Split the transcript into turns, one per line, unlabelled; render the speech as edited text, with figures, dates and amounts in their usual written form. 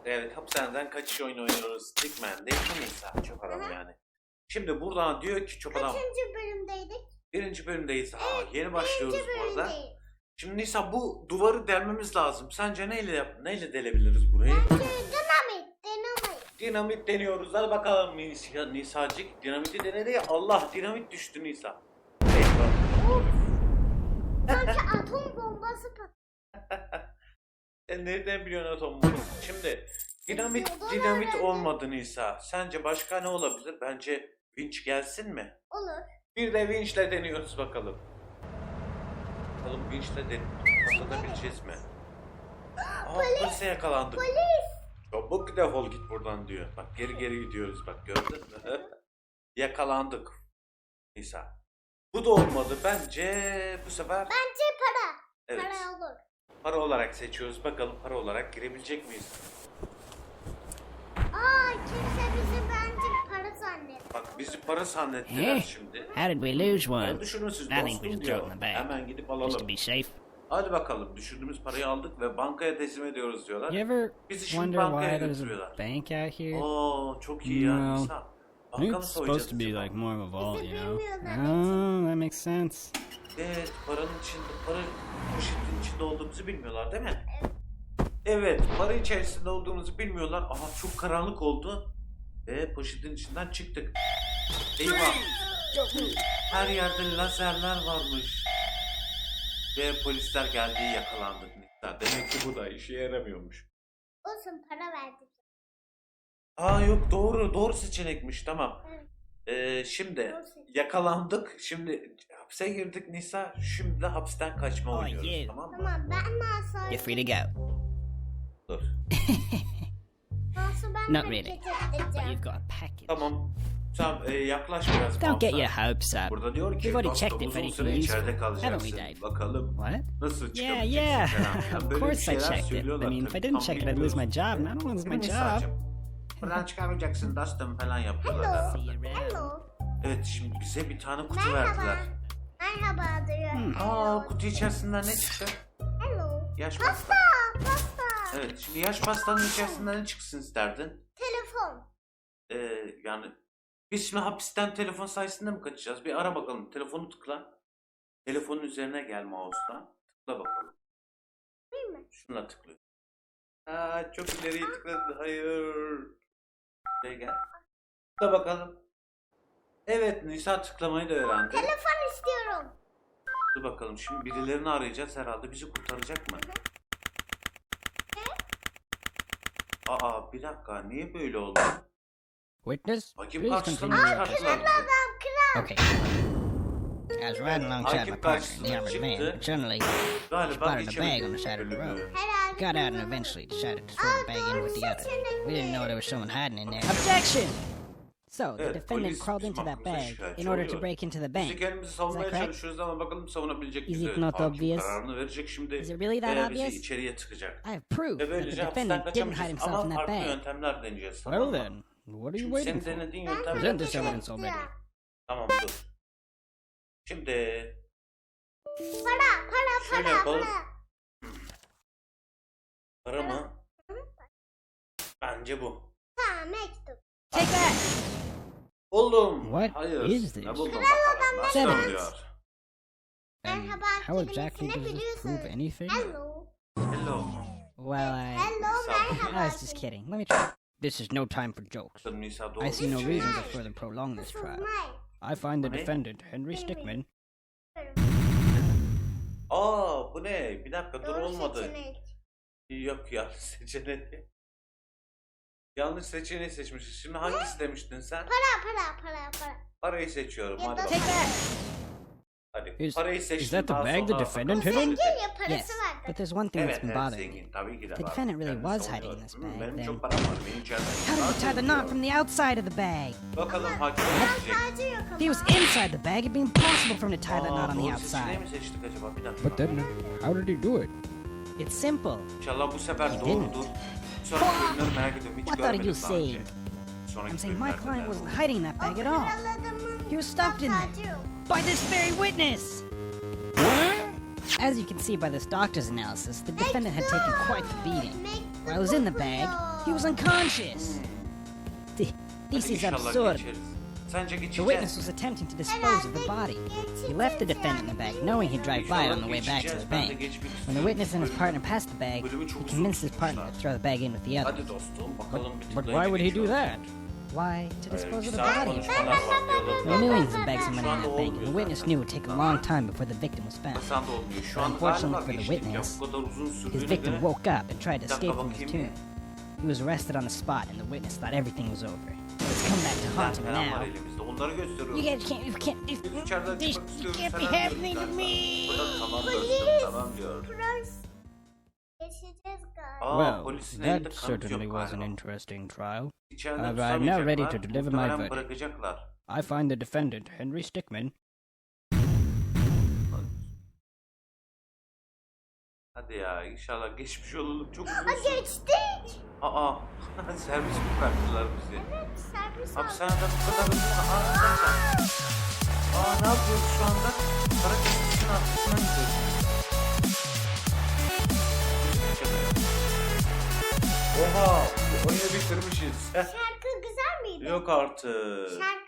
Evet, hapishaneden kaçış oyunu oynuyoruz. Stickman değil mi Nisa? Çok havalı yani. Şimdi buradan diyor ki çok adam.
Kaçıncı bölümdeydik?
Birinci bölümdeyiz.
Evet,
Yeni başlıyoruz
birinci
bu arada.
bölümdeyiz.
Şimdi Nisa bu duvarı delmemiz lazım. Sence neyle delebiliriz burayı?
Bence dinamit.
Dinamit deniyoruz. Hadi bakalım Nisacık. Dinamiti denedi ya. Allah, dinamit düştü Nisa.
Of. Sanki atom bombası patladı.
Sen nereden biliyorsun atom bunu? Şimdi dinamit olmadı Nisa. Sence başka ne olabilir? Bence vinç gelsin mi?
Olur.
Bir de vinçle deniyoruz bakalım. Bakalım vinçle patlatabileceğiz mi? Polise yakalandık.
Polis.
Çabuk defol git buradan diyor. Bak geri gidiyoruz bak, gördün mü? Yakalandık. Nisa. Bu da olmadı. Bence bu sefer
Bence para.
evet,
Para olur.
para olarak seçiyoruz. Bakalım para olarak girebilecek miyiz?
Kimse bizi bence para zannetti.
Bak bizi para zannettiler şimdi.
How did we lose one?
Ben düşünürsüz
I think we
dostum
just
diyor.
throw it in the bag.
Hemen gidip
Just to
alalım.
be safe.
Hadi bakalım, düşürdüğümüz parayı aldık ve bankaya teslim ediyoruz diyorlar.
You ever
Bizi şimdi
wonder why
bankaya
there's a
götürüyorlar.
bank out here?
Oo çok iyi ya
No.
Nisa.
I think
Banka mı
it's
soyacağız
supposed to be
acaba?
like more of a vault, you know?
bilmiyorlar,
Oh, that makes sense.
Evet, para poşetin içinde olduğumuzu bilmiyorlar değil mi? Evet, para içerisinde olduğumuzu bilmiyorlar. Aha çok karanlık oldu. Ve poşetin içinden çıktık. Eyvah! Her yerde lazerler varmış. Ve polisler geldi, yakalandık. Demek ki bu da işe yaramıyormuş.
Olsun, para verdik.
Yok, doğru seçenekmiş, tamam. Şimdi
Doğru seçenek.
yakalandık. Şimdi hapse girdik Nisa. Şimdi de hapisten kaçma
Oh,
oynuyoruz,
yeah.
tamam mı?
Tamam, ben nasıl?
You're free to go.
Dur.
Nasıl ben
Not
hareket
really. But
edeceğim?
you've got a package.
Tamam. Yaklaş biraz.
Don't get
fazla.
your hopes up.
Burada diyor ki
We've already
dostum,
checked it
uzun
for
süre
anything
içeride
useful. Haven't
kalacaksın.
we, Dave?
Bakalım
What?
nasıl
Yeah,
çıkabileceksin
yeah.
falan.
Of
Böyle bir
course I
şeyler
checked it. I
söylüyorlar
mean, if
tabii.
I didn't
Tam
check it, I'd lose my
bilmiyoruz.
job, and I don't lose my
Değil mi
job.
Nisa'cığım? Buradan çıkamayacaksın dostum falan yapıyorlar
Hello.
herhalde.
See you around.
Hello.
Evet, şimdi bize bir tane kutu
Merhaba.
verdiler.
Merhaba diyor.
Kutu içerisinden ne çıktı?
Hello.
Yaş
Pasta.
pasta.
Pasta.
Evet, şimdi yaş pastanın içerisinden ne çıksın isterdin?
Telefon.
Yani biz şimdi hapisten telefon sayesinde mi kaçacağız? Bir ara bakalım. Telefonu tıkla. Telefonun üzerine gel mouse'dan. Tıkla bakalım.
Değil mi?
Şuna tıklıyor. Çok ileriye tıkladı. Hayır. Buraya gel. Tıkla bakalım. Evet, Nisa tıklamayı da öğrendi.
Telefon istiyorum.
Dur bakalım. Şimdi birilerini arayacağız herhalde. Bizi kurtaracak mı? Bir dakika. Niye böyle oldu?
Witness,
Bakayım
please
karşısına
continue
mı
your
çıkarttılar
episode.
bizi?
Okay. I was riding alongside my partner in the armored van, but suddenly
Galiba
spotted a bag on the
geçemedik
side of the road.
bölümü.
Herhalde.
Got out and eventually decided to throw the bag in with the other. We didn't know there was someone hiding in there. Objection! So, the
Evet,
defendant
polis
crawled into
bizim
that
hakkımızda
bag
şikayetçi
in order to
oluyor.
break into the
Biz de
bank.
kendimizi savunmaya
correct?
çalışıyoruz ama bakalım savunabilecek
Is
miyiz?
it not
Hakim
obvious?
kararını verecek şimdi.
Is it really that
Bizi
obvious?
içeriye tıkacak.
I have proof
Ve
that the
böylece hapisten
defendant didn't hide
kaçamayacağız
himself in
ama
that
farklı
bag.
yöntemler deneyeceğiz.
Well
Tamam mı?
then, what are you
Şimdi
waiting
senin
for?
denediğin
Ben
yöntem.
Present this evidence
istiyorum.
already.
Tamam dur. Şimdi
Para.
şöyle yapalım. Para mı? Bence bu.
Tamam, mektup.
Take that!
Buldum.
What
Hayır.
is
Ne
this?
buldum bakalım. Nasıl
Seven.
oluyor?
And
Merhaba,
how
kelimesini
exactly does this
biliyorsun.
prove anything?
Hello.
Hello.
Well,
Hello, merhaba.
I was just kidding. Let me try. This is no time for jokes.
Bakalım Nisa doğru.
I see no
mu?
reason to further prolong this trial. I find the
What?
defendant, Henry Stickmin,
Bu ne? Bir dakika dur,
Doğru
olmadı.
seçenek.
Yok, yanlış seçeneği. Yanlış seçeneği seçmişiz. Şimdi hangisi demiştin sen?
Para.
Parayı seçiyorum.
Ya
Hadi
da-
take
bakalım.
that!
Hadi.
Is-
Parayı seçtim.
Is that the
daha
bag the
sonra
defendant
bakalım.
hid in?
Zengin ya, parası
Yes,
vardı.
but there's one thing that's
Evet,
been
evet
bothering me.
zengin. Tabii ki de
The
var.
defendant really
Kendisi
was
savunuyor.
hiding in this bag,
Benim
then-
çok param var. Beni içeriden
How did he tie the
çıkartın
knot from the outside of the bag?
diyor. Bakalım hakim
Ben
edecek.
sadece yok ama.
He was inside the bag. It'd be impossible for him to tie that knot on the
Doğru seçeneği
outside.
mi seçtik acaba? Bir dakika.
But then, how did he do it?
It's simple.
İnşallah bu sefer
He
doğrudur. Sonraki bölümleri merak ediyorum. Hiç
What are you
görmedim daha önce.
saying?
Sonraki
I'm saying my
bölümlerde
client
de.
wasn't hiding that bag at all.
Kraladımın
He was stuffed in there
sadece yok.
by this very witness. As you can see by this doctor's analysis, the defendant had taken quite the beating. While it was in the bag, he was unconscious. This
Hadi
is
inşallah
absurd.
geçeriz. Sence
The
geçeceğiz.
witness was attempting to dispose of the body. He left the defendant in the bag, knowing he'd drive by it on the way back to his bank. When the witness and his partner passed the bag, he convinced his partner to throw the bag in with the others.
Hadi dostum bakalım bir
But
tıklayınca
why would he do
geçiyoruz.
that?
Why? To dispose of the
Saat
body.
konuşmalar var,
There were
diyaloglar.
millions of bags of money in that bank, and the witness knew it would take a long time before the victim was found.
Hasan da olmuyor. Şu an
Unfortunately
galiba
for the
geçtik ya.
witness,
Bu kadar uzun
His
sürdüğüne
victim
göre.
woke up and tried to
Bir dakika
escape from his
bakayım
tomb. He was arrested on the spot, and the witness thought everything was over. It's come back to haunt him
Falan var
now.
elimizde. Onları gösteriyoruz.
You guys can't,
Biz içeriden
this
çıkmak istiyoruz.
can't be
falan diyoruz
happening to
galiba.
me.
O da tamam dostum tamam diyor.
Polis. Geçeceğiz galiba.
Aa,
Well,
polisin elinde
that
kanıt
certainly
yok
was an
galiba.
interesting trial.
İçeriden
I'm now ready to
tutamayacaklar.
deliver my
Muhtemelen
verdict.
bırakacaklar.
I find the defendant, Henry Stickmin.
Hadi ya inşallah geçmiş olalım. Çok uzun
Aa,
sürdü.
geçtik.
Aa servis mi bıraktılar bizi?
Evet servis aldık.
Hapishaneden bu kadar hızlı mı? Ne yapıyoruz şu anda? Para kesmişin arkasına gidiyoruz. Oha! Oyunu bitirmişiz.
Şarkı güzel miydi?
Yok artık.
Şarkı